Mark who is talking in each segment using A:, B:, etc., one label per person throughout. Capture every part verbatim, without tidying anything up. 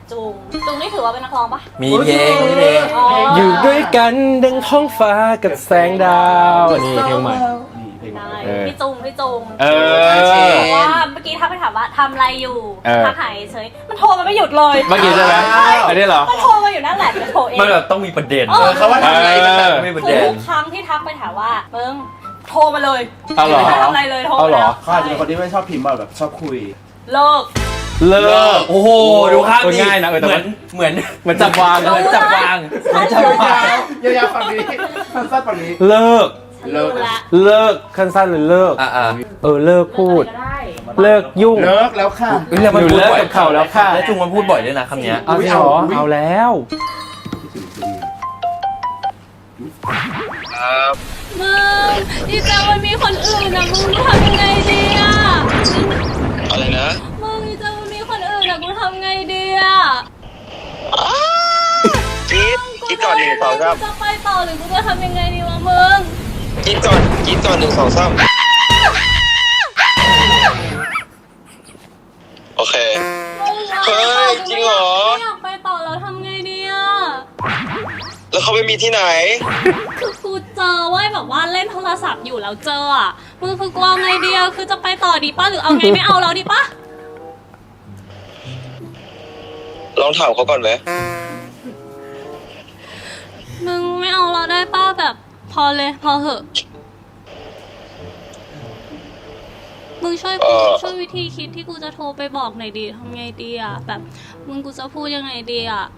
A: จุงจุงนี่ถือว่าเป็นนักร้องปะ
B: มีเพลงมีเพลง
C: อยู่ด้วยกันดังท้องฟ้ากับแสงดาวนี่เพลงใหม่
A: พี่จุงพี่จุง
C: เออ
A: เพราะว่าเมื่อกี้ถ้าไปถามว่าทำอะไรอยู่ทักหายเฉยมันโทรมาไม่หยุดเลย
C: เมื่อกี้ใช่ไหมอันนี้เหรอ
A: มันโทรมาอยู่นั่นแหละมันโทรเอง
B: มันแบบต้องมีประเด็น
D: เขาว่าทำอะไรแบบ
B: ไม่ประเด็น
A: ทุกครั้งที่ทักไปถามว่ามึงโทรมาเลย
C: เอาเหรอ
A: ไม่ทำอะไรเลยโทรมาแล้ว
D: เขาอาจจะเป็นคนที่ไม่ชอบพิมพ์แบบชอบคุย
A: เลิก
C: เลิก
B: โอ้โหดูภาพดิ
C: ง่ายนะเหมือน
B: เหมือน
C: เหมือนจับวาง
B: เหมือนจับวางเหมือนจับวาง
D: ยาวๆฝั่งนี้สั้นๆฝั่งนี้
C: เลิก
A: เลิก
C: เลิกสั้นๆเลยเลิก
B: อ่า
C: เออเลิกพูดเลิกยุ่ง
D: เลิกแล้วค่ะ
B: เรื่องมันพูดบ่อยกับเขาแล้วค่ะแล้วจุงมันพูดบ่อยด้วยนะคำนี้
C: เอาเหรอเอาแล้ว
A: มึงดีเจมันมีคนอื่นนะมึงทำยังไงดีอ่ะ
E: อะไรนะ
A: มึงดีเจมันมีคนอื่นนะกูทำไงดีอ่ะ
E: กิดกิดก่อนหนึ่งสองสาม
A: จะไปต่อหรือกูจะทำยังไงดีวะมึง
E: กิดก่อนกิดก่อนหนึ่งสองสามโอเคเฮ้ยจริงเหรอ
A: อยากไปต่อแล้วทำไงดีอ่ะ
E: แล้วเขาไปมีที่ไหน
A: คือกูเจอว่าแบบว่าเล่นโทรศัพท์อยู่แล้วเจออ่ะมึงคือกูเอาไงดีอ่ะคือจะไปต่อดีป่ะหรือเอาไงไม่เอาแล้วดีป่ะ
E: ลองถามเขาก่อนไหม
A: มึงไม่เอาเราได้ป้าแบบพอเลยพอเหอะมึงช่วยกูช่วยวิธีคิดที่กูจะโทรไปบอกหน่อยดีทำไงดีอ่ะแบบมึงกูจะพูดยังไงดีอ่ะ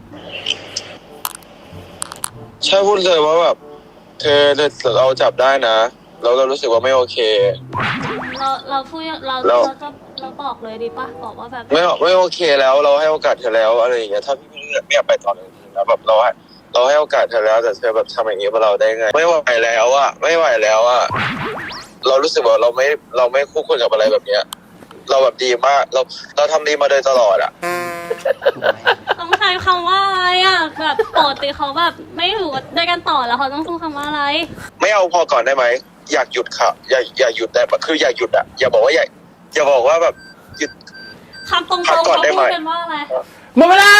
E: ใช่พูดเลยว่าแบบเธอเราจับได้นะเราเรารู้สึกว่าไม่โอเค
A: เราเราพูดเราเราจะเราบอกเลยดีป่ะบอกว่าแบบ
E: ไม่ไม่โอเคแล้วเราให้โอกาสเธอแล้วอะไรอย่างเงี้ยถ้าพี่ไม่ไม่อยากไปต่อเลยแล้วแบบเราให้เราให้โอกาสเธอแล้วแต่เธอแบบทำอย่างนี้กับเราได้ไงไม่ไหวแล้วอะไม่ไหวแล้วอะเรารู้สึกว่าเราไม่เราไม่คู่ควรกับอะไรแบบเนี้ยเราแบบดีมากเราเราทำดีมาโดยตลอดอะ
A: ต้องใช้คำว่าอะไรอะแบบปกติเขาแบบไม่อยู่ด้วยกันต่อแล้วเขาต้องพูดคำว่าอะไร
E: ไม่เอาพอก่อนได้ไหมอยากหยุดค่ะอย่าอย่าหยุดแต่คืออย่าหยุดอะอย่าบอกว่าอย่าอย่าบอกว่าแบบหยุด
A: คำตรงๆเขาพูดกันว่าอะไร
C: หมดเวลา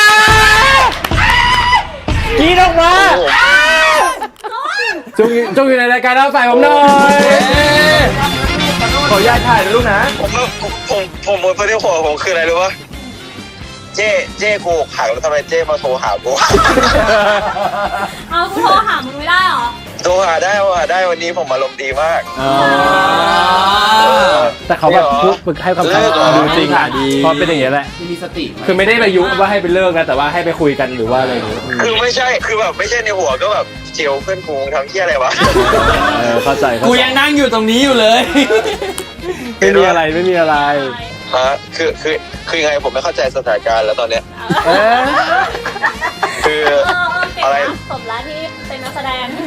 C: กีดออกมาจุงจุงอยู่ในรายการเอาใส่ผมหน่อยขออนุญาตถ่ายนะลูกนะ
E: ผมผมผมผมประเด็นหัวผมคืออะไรรู้ปะเจ๊เจ๊กูหักแล้วทำไมเจ๊มาโทรหากู
A: เอากูโทรหามึงไม่ได้หรอ
E: โทรหาได้โทรหาได้วันนี้ผมอารมณ์ดีมาก
C: แต่เขาแบบพูดฝึกให้คำสั่งดูจริงดีพอเป็นอย่างนี้แหละ
D: มีสติ
C: คือไม่ได้ไปยุว่าให้ไปเลิกนะแต่ว่าให้ไปคุยกันหรือว่าอะไรอย่างนี้
E: คือไม่ใช่คือแบบไม่ใช่ในหัวก็แบบเจียวเพื่อนกูทำเที่ยอะไรวะ
C: เข้าใจ
B: กูยังนั่งอยู่ตรงนี้อยู่เลย
C: ไม่มีอะไรไม่มีอะไร
E: ฮะคือคือคือไงผมไม่เข้าใจสถานการณ์แล้วตอนเนี้ยคืออะไร
A: สมแล้วที่เป็นนักแสดง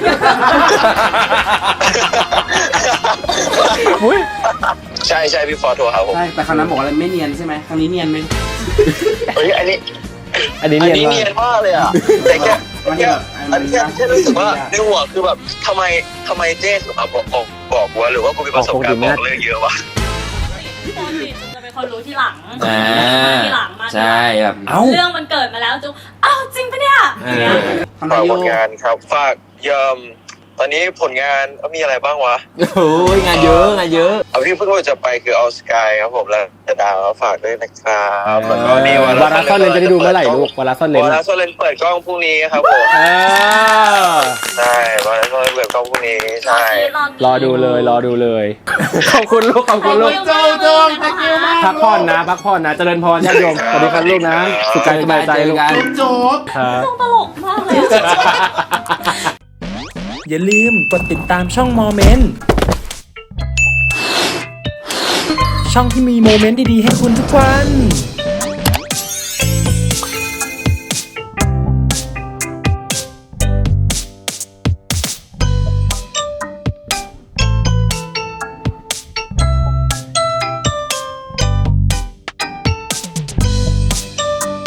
E: ใช่ใช่พี่ฟอร์โทรหาผม
D: ใช่แต่ครั้งนั้นบอกอะไรไม่เนียนใช่ไหมครั้งนี้เนียนไหม
E: เฮ้ยอันนี้
C: อันนี้เนี
E: ยนมากเลยอ่ะแต่แค่แค่อันนี้แค่รู้สึกว่าในหัวคือแบบทำไมทำไมเจ๊สุภาพบอกบอกว่าหรือว่ากูมีประสบการณ์บอกเรื่องเยอะวะ
A: จะเป็นคนรู้ที่หลังที่หลังมา
B: ใช่แบบ
A: เอ้าเรื่องมันเกิดมาแล้วจุ๊บเอ้าจริงปะเนี่ย
E: ฝากผลงานครับฝากยอมตอนนี้ผลงานมีอะไรบ้างวะ
B: โอ้ยงานเยอะงานเยอะ
E: เอาที่เพิ่งจะไปคือเอาสกายครับผมแล้วจะดาวฝากด้วยนะครับแล้วก็นี่
C: วาระซ่อนเลนจะได้ดูเมื่อไหร่ลูกวาระซ่อนเลน
E: วาระซ่อนเลนเปิดกล้องพรุ่งนี้ครับผมใช่วาระซ่อนเลนเปิดกล้องพรุ่งนี้ใช่
C: รอดูเลยรอดูเลยขอบคุณลูกขอบคุณลูก
D: โจโจตะเกียวมาก
C: พักผ่อนนะพักผ่อนนะเจริญพรญาติโยมสวัสดีครับลูกนะสุขกายสบายใจลูก
D: โจบ
C: ครับ
A: ตลกมากเลย
F: อย่าลืมกดติดตามช่องโมเมนต์ช่องที่มีโมเมนต์ดีๆให้คุณทุกวัน